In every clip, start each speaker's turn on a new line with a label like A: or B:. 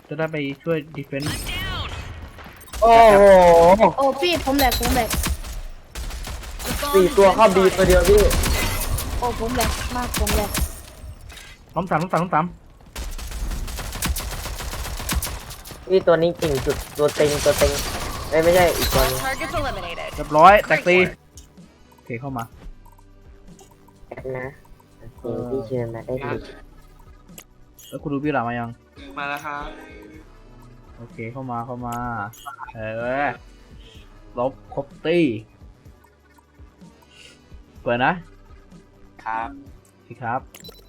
A: จะได้ไปช่วยดีเฟนส์
B: โอ้โห
C: โอ้พี่ผมแหลก
B: 4 ตัวเข้าบีตัวเดียวพี่
C: โอ้ผมแหลกมากผมแหลก
A: ล้อมสาม
B: นี่ตัวนี้เก่งสุดตัวเต็งไม่ใช่อีกตัวนึง
D: Targets eliminated.
A: เรียบร้อยแตกตีโอเคเข้ามา
B: นะโอเคพี่เชิญมาได้ดี
A: แล้วคุณดูพี่หลามายัง
E: มาแล้วครับ
A: โอเคเข้ามาลบครบตี้เปิดนะครับ สิครับ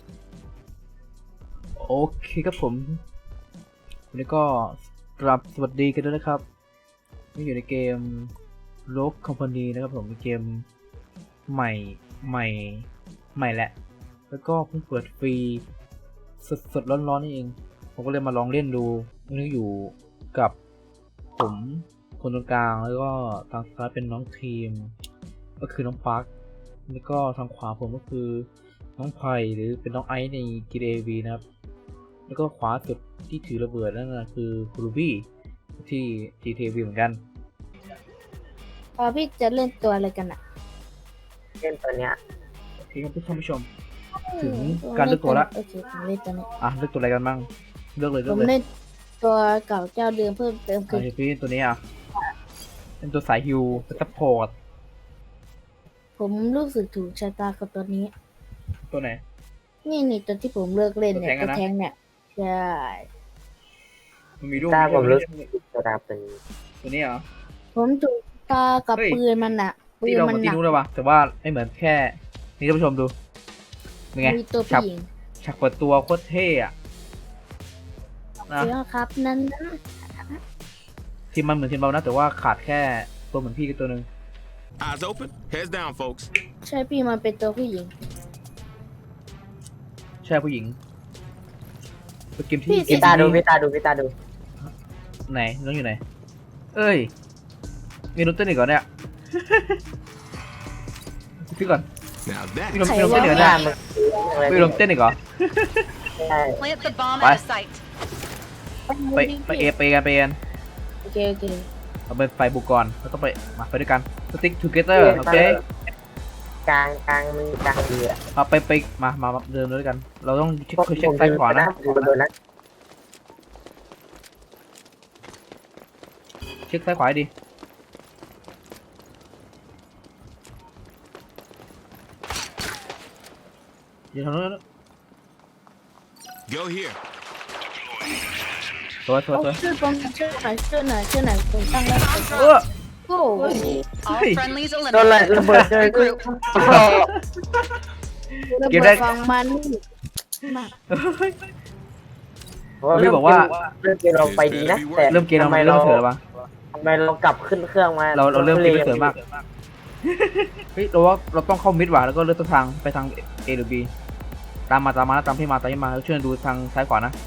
A: โอเคครับผมวันนี้ก็กลับสวัสดีกันด้วยนะครับนี่อยู่ในเกม Rogue Company นะครับผมเป็นเกมใหม่แหละแล้วก็เพิ่งเปิดฟรีสดร้อนๆนี่เองผมก็เลยมาลองเล่นดูนี่อยู่กับผมคนตรงกลางแล้วก็ทางซ้ายเป็นน้องทีมก็คือน้องปาร์คแล้วก็ทางขวาผมก็คือน้องไผ่หรือเป็นน้องไอซ์ใน GTA V นะครับแล้วก็ขวาสุดที่ถือระเบิดนั่นนะคือครูบี้ที่ GTA V เหมือนกัน
C: พี่จะเล่นตัวอะไรกันอ่ะ
B: เล่นตัวเนี้ย
A: โอเคครับท่านผู้ชมถึงการเลือกตัวละ
C: โอเคผมเล่นตัวนี้
A: เลือกตัวอะไรกันบ้างเลือกเลย
C: ผมเล่นตัวเก่าเจ้าเดิมเพิ่มเติมคือ
A: พี่ตัวนี้เป็นตัวสายฮิวเป็นซัพพอร์ต
C: ผมรู้สึกถูกชะตากับตัวนี้
A: ตัวไหน
C: นี่ตัวที่ผมเลิกเล่นเนี่ย
A: ตั
C: ตัว ว
A: แท
C: แท
A: ง
C: ง
A: อะนะ
C: เนี่ยใช่
A: มันมีรูป
B: ตาผมรู้
A: ไห
B: สึกตัวดาบเป็น
A: ตัวนี้เหรอ
C: ผมถูกตากับ
A: เฮ้ย
C: ปืนมันอะปื
A: ที่
C: น
A: เรา
C: มัน
A: มา
C: ห
A: ที่
C: นัก
A: รู้เลยว่ะแต่ว่าไม่เหมือนแค่นี่ท่านผู้ชมดูเป็นไง
C: มีตัว
A: ฉับ
C: ผู้หญิง
A: ฉากเปิดตัวโคตรเท่อะนะ
C: เดี๋ยวครับนั้นนะ
A: ทีมมันเหมือนทีมเรานะแต่ว่าขาดแค่ตัวเหมือนพี่กับตัวหนึ่ง
F: Eyes open, heads down, folks.
C: ใช่พี่มันเป็นตัวผู้หญิง
A: ใช่ผู้หญิงเป็นเกมที่
C: พี่
A: เก
B: พี่
A: ม
B: ตาดู
A: ที่
B: พี่ตาดู
A: ไหนน้องอยู่ไหนเอ้ยมีนุ่นเต้นอีกก่อนเนี่ย พี่ก่อน
F: Now that
A: พี่ลง
C: ใคร
A: พี่ลง
C: วะ
A: เต้นอีกเหรอ
B: หน้า
A: เนี่ย
B: มัน
A: พี่ลงเต้นอีกเหรอ
B: ใช่
D: Plant the bomb
A: Bye.
D: at a site.
A: ไปเอไปกัน
C: โอเคโอเค
A: เราเป็นไฟบุกก่อนแล้วต้องไปมาไปด้วยกัน stick together โอเค
B: กลางมือกลางเรือ
A: มาไปมาเดินด้วยกัน เราต้องเช็คซ้ายขวานะ
B: ผมโดนนะ
A: เช็คซ้ายขวาให้ดีอย่าทำนู้น
F: go here.
A: สวย
C: ช่วยผมช่วยหน่อยผมตั้งแล้ว
A: เออ
C: โอ้
D: All
A: Hey.
D: friendlies
B: โดนอะไร
D: eliminated.
B: ระเบิดเลย
D: Regroup.
C: ระ
A: เก็บ
C: เบิ
A: ได้
C: ดฟังมันมาก
A: พี่บอกว่า
B: เริ่มเกมเราไปดีนะแต่
A: เริ่มเกมเรา
B: ทำไม
A: เริ่
B: เรา
A: มเถื่อนปะ
B: ทำไมเรากลับขึ้นเครื่องมา
A: เราเริ่มเกมไม่เถื่อนมากเฮ้ยเราว่าเราต้องเข้ามิดว่ะแล้วก็เลือกทางไปทาง A หรือ B ตามพี่มาแล้วช่วยดูทางซ้ายขวานะ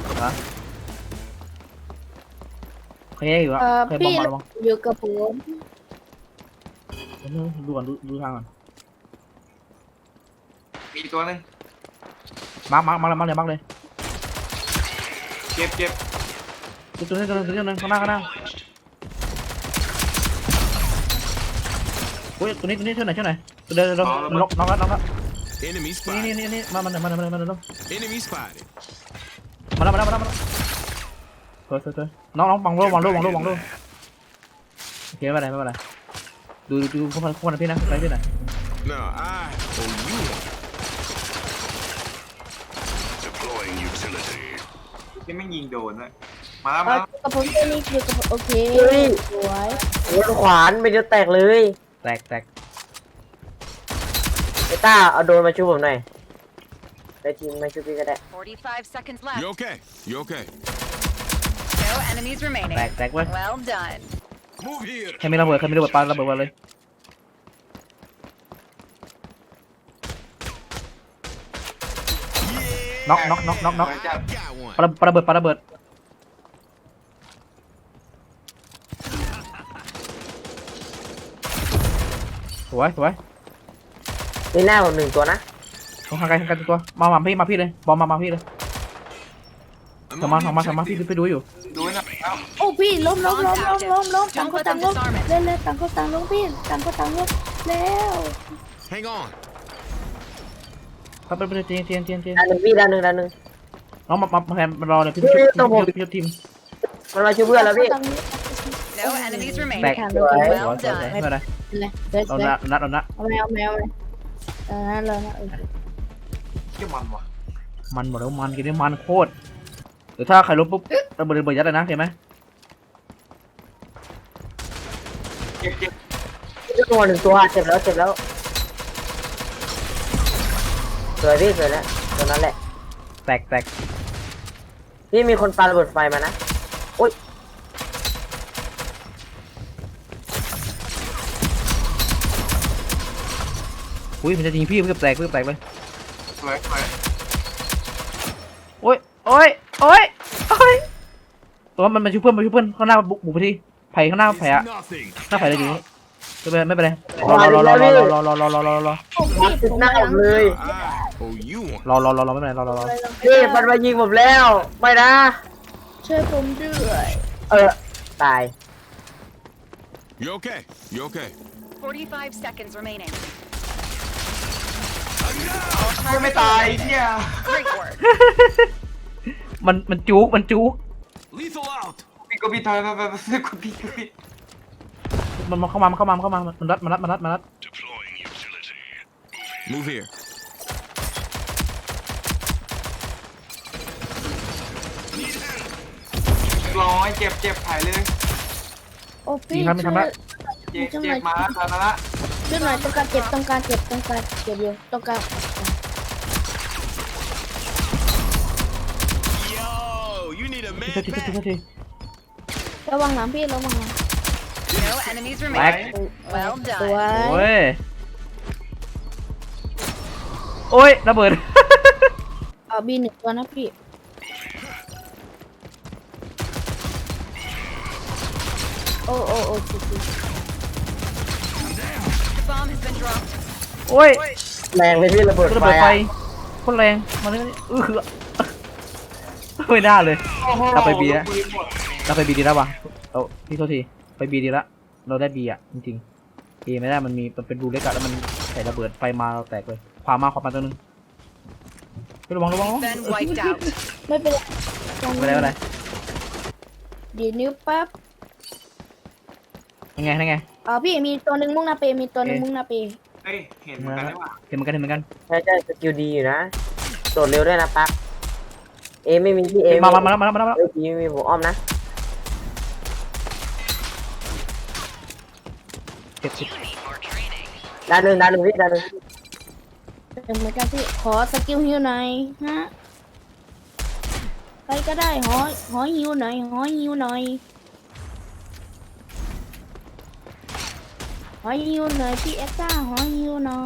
A: โอเคอยู่แล้วโอเคบอ
C: พี่
A: มมาระวัง
C: อยู่กับผม
A: ดูก่อนดูทางก่อน
E: มีตัวหนึง
A: มาร์กเลย
E: เจ็บ
A: ตัวนึงข้างหน้าโอ้ยตัวนี้ช่วยหน่อยตัวเดินน็อกแล้ว
F: Enemy
A: นี่
F: spotted.
A: มา
F: Enemy spotted.
A: แล้วสวยน้องวางโล่โอเคไม่เป็นไรดูเข้ามาพี่นะไปพี่หน่อย
F: Now I owe you one.
G: Deploying utility.
E: ที่ไม่ยิงโดนนะมาแล้ว
C: กับผมตัวนี้อยู่กับผมโอเคสวย
B: โดนขวานไปเดียวแตกเลย
A: แตก
B: ไอ้ต้าเอาโดนมาช่วยผมหน่อยได้ทีมมาช่วยพี่ก็ได้
D: 45 seconds
F: You
D: left.
F: okay? You okay?
D: No enemies remaining.
A: แตกเว้ย
D: Well done.
F: Move here.
A: ใครมีระเบิดปาระเบิดมาเลยน็อก
E: มาจับ
F: Got one.
A: ปาระเบิดสวย
B: นี่หน้าผม1 ตัวนะ
A: ทางไกลตัวมาพี่เลยบอมมาพี่เลย
F: I'm
A: ทำมา
F: on the
A: ทำมาทำมา พี่
F: objective.
A: ไปดูอยู่
E: ดูหน่อยแล้ว
C: โอ้พี่ล้มต่างคนต่างล้มเล่นต่างคนต่างล้มพี่ต่างคนต่างล้มแล้ว
F: Hang on.
A: ครับไปเตียง
B: ด้านหนึ่งพี่ด้านหนึ่ง
A: น้องมาแทนมารอเลยพี่
B: เฮ้ยต้องบอก
A: ชุบทีม
B: มันมาช่วยเพื่อนแล้วพี่
D: No enemies
A: แตก
D: remaining.
A: สวย
D: Well
A: สวย
D: done.
A: ไม่เป็นไร
C: เลย
A: เรานัด
C: เอาเลย
E: เกี่ยมันวะ
A: มันบอกแล้วมันกินได้มันโคตรเดี๋ยวถ้าใครล้มปุ๊บระเบิดยัดเลยนะเห็นไหม
E: เจ็บเจ็บ
B: ตัวหนึ่งตัวเจ็บแล้วสวยพี่สวยแล้วตัวนั้นแหละ
A: แตก
B: พี่มีคนปาระเบิดไฟมานะโอ๊ย
A: อุ้ยมันจะยิงพี่เพื่อแตกเลย
E: สวยสวย
A: โอ้ยตัวมันชุบเพื่อนข้างหน้าบุกไปที่ไผ่ข้างหน้า
F: It's
A: ไผ่อะ
F: nothing.
A: หน้าไผ่เลยดีไม่เป็นไรรอ
C: โอ้พี่
B: ติด
C: ผม
B: หน้าผมเลย
F: I owe you one.
A: รอไม่เป็นไรรอ
B: พี่มันมายิงผมแล้วไม่นะ
C: ช่วยผมด้วย
B: ตาย
F: You okay? You okay?
D: 45 seconds remaining.
E: ไม่ตายเนี่ย
D: Great work.
A: มันจุก
F: Lethal out.
E: พี่ก็พี่ทอยกูพี่
A: มันเข้ามามันรัด
G: Deploying utility.
F: Move here.
E: ร้อยเจ็บถ่ายเลย
C: โอ้พี่
E: เจ็บมาแล้วตอนนั้นละ
C: ช่วยหน่อยต้องการเจ็บอยู่ต้องการ
F: Yo, you need a
A: ที
F: man back.
C: ระวังหลังพี่ระวังหลัง
D: No enemies
A: แตก
D: remaining. Well
C: สว
D: done.
C: ย
A: โอ้ยระเบิด
C: เอาบีหนึ่งตัวนะพี่โอ้จริง
D: The bomb has been dropped.
A: โอ้ย
B: แรงเลยพี่ระเบิด
A: ระ
B: ไฟ
A: เบิดไฟ
B: อะ
A: โคตรแรงมาเลยไม่น่าเลย เราไปบีแล้วดีแล้ววะพี่โทษทีไปบีดีละเราได้บีอ่ะจริงๆบีไม่ได้มันเป็นรูเล็กอะแล้วมันใส่ระเบิดไฟมาเราแตกเลยขวามาตัวนึงระวัง
D: Been wiped out.
C: ไม่เป็นไร
A: ไม่ได้
C: ดีนิ้วปั๊บ
A: ยังไง
C: พี่มีตัวหนึ่งมุ่งหน้าเปมีตัวหนึ่งมุ่งหน้าเป
E: เฮ้ยเห็นเหมือนกันได้ป่ะ
A: เห็นเหมือนกัน
B: ใช่สกิลดีอยู่นะโดดเร็วด้วยนะปั๊บไม่มีพี่
A: มา
B: ไม่มี
A: แล้ว
B: พี่ไม่มีผมอ้อมนะ
A: เจ็บ
B: ด้านหนึ่งพี่ด้านหนึ่ง
C: เหมือนกันพี่ขอสกิลฮิวหน่อยฮะใครก็ได้หอฮิวหน่อยหอฮิวหน่อยพี่เอ็กซ่าหอฮิวหน่อย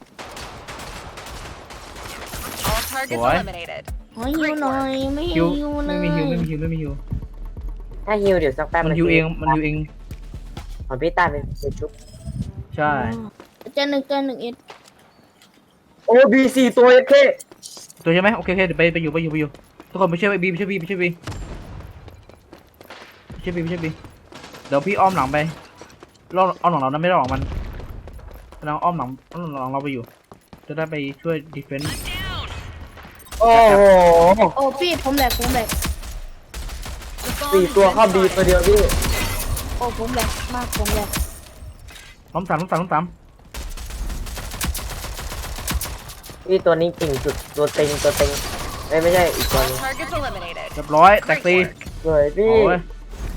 D: All targets eliminated.
C: หอฮิวหน่อยไม่
A: ฮิว
C: ฮิวเล
A: ไม่
C: ย
A: มีฮิว
B: ถ้าฮิวเดี๋ยวสักแป๊บ
A: มันฮิวเอง
B: ของพี่ตาเป็นชุบ
A: ใช่
C: เจอหนึ่งเอ็ด
B: โอ้บี4ตัวโอเค
A: ตัวใช่ไหมโอเคเดี๋ยวไปอยู่ทุกคนไปช่วยบีเดี๋ยวพี่อ้อมหลังไปอ้อมหลังเรานะไม่ได้หลังมันเราอ้อมหลังเราไปอยู่จะได้ไปช่วยดีเฟนส์
B: โอ้โห
C: โอ้พี่ผมแหลก
D: The bomb
B: 4ตัวเข้าบีตัวเดียวพี่
C: โอ้ผมแหลกมากผมแหลก
A: ล้มสาม
B: พี่ตัวนี้เก่งสุดตัวเต็งไม่ใช่อีกตัว
D: All
B: นึง
D: targets eliminated.
A: เรียบร้อยแตกตี
B: สวยพี่
A: โอ้ย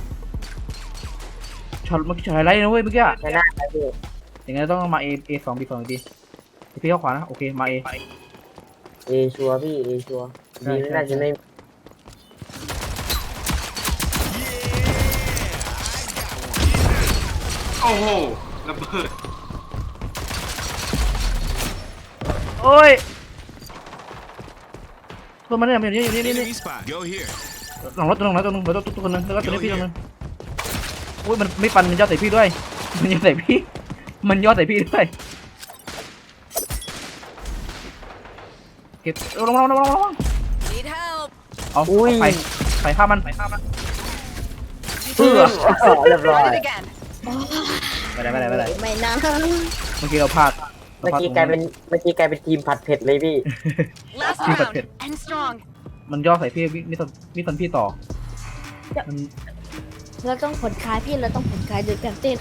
A: ช็อตเมื่อกี้ช็อตไฮไลท์นะเว้ยเมื่อกี้
B: ชนะแล้วพี่
A: อย่างงั้นต้องมา A2 B2 ดีพี่เข้าขวานะโอเคมา A
B: ชัวร์พี่ชัวร์บีไม่น่าจะไม่
E: โอ้โหระเบิด
A: โอ้ยตัวมันเนี่ยอยู่นี่
F: Enemy spot. Go here.
A: หลังรถตัวนึงแล้วตัวคนนึงแล้วก็ตัวนี้พี่ตัวนึงอุ้ยมันไม่ปันมันย่อใส่พี่ด้วยมันย่อใส่พี่ด้วยเก็บลง
D: Need help.
A: เอาไปไปฆ่ามัน
B: เรียบร้อย
D: Done it again.
A: ไม่ได้
C: ไม่นะ
A: เมื่อกี้เราพลาด
B: เมื่อกี้กลายเป็นทีมผัดเผ็ดเลยพี่
D: Last
A: Keep it
D: round.
A: fit.
D: And strong.
A: มันย่อใส่พี่มิสันพี่ต่อมัน
C: เราต้องผ่อนคลายพี่เราต้องผ่อนคลายโดยการเต้น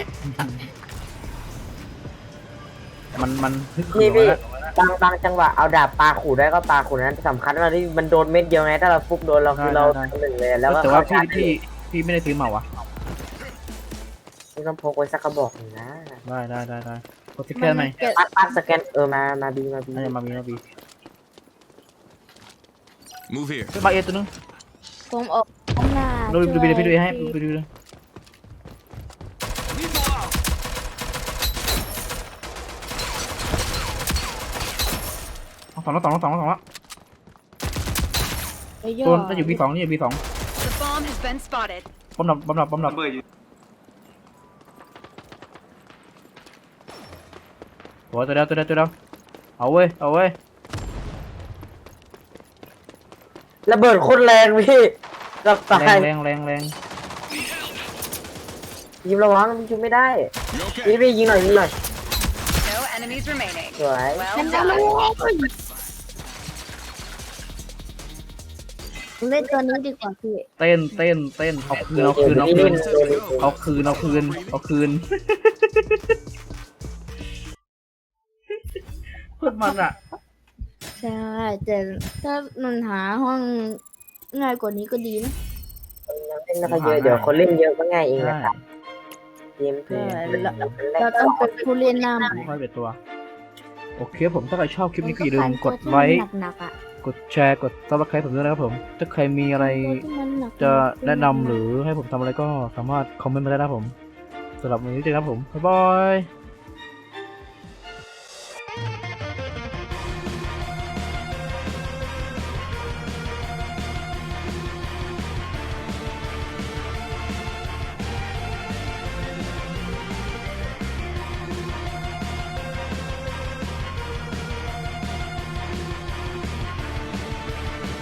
A: มันฮึกเหิ
B: นี่
A: ม
B: พี่
A: แล้ว
B: บางจังหวะเอาดาบปาขู่ได้ก็ปาขู่นั้นสำคัญว่าที่มันโดนเม็ดเดียวไงถ้าเราฟุกโดนเราคือเราหนึ่งเลยแล้วก็
A: แต่ว่า
B: เข้าชาร์จ
A: พี่ไม่ได้ซื้อมาวะ
B: นี่ต้องพกไว้สักกระบอกหนึ่งนะ
A: ได้กดสแกนไหม
B: ปักสแกนมาบี
A: น่าจะมาบี
F: Move here.
A: มาเอตัวนึง
C: ผมออกข้างหน้า
A: ดูพี่ดูให้ดูเลยสองแล้ว
C: ไปย่อ
A: ตัวจะอยู่ B2 นี่อยู่ B2
D: The bomb has been spotted.
A: บอมดับ
E: ระเบิดอยู่
A: โอ้ตัวเดียวเอาเว้ย
B: ระเบิดโคตรแรงพี่กับตาย
A: แรง
B: ยิงระวังยิงไม่ได้
F: You okay?
B: นี่พี่ยิงหน่อย
D: No enemies remaining.
B: สวย
D: Well
C: นั่น
D: done.
C: เล่นตัวนี้ดีกว่าพี่
A: เต้นเอาคืน เพื่อนมันอ่ะ
C: ใช่แต่ถ้ามันหาห้องง่ายกว่านี้ก็ดีนะ
B: เล่นไม่ค่อยเยอะเดี๋ยวคนเล่นเยอะก็ง่ายเองนะครับเกมเพลย์
C: เราต้องเป็นผู้เล่นหน้าใหม่
A: ค่อยเป็นตัว โอเคผมถ้าใครชอบคลิปนี้ก็อย่าลืมกดไลค์
C: หนักๆอ่ะ
A: กดแชร์กด Subscribe ผมด้วยนะครับผมถ้าใครมีอะไร จะแนะนำหรือให้ผมทำอะไรก็สามารถคอมเมนต์มาได้นะครับผมสำหรับวันนี้เจอกันครับผมบ๊ายบาย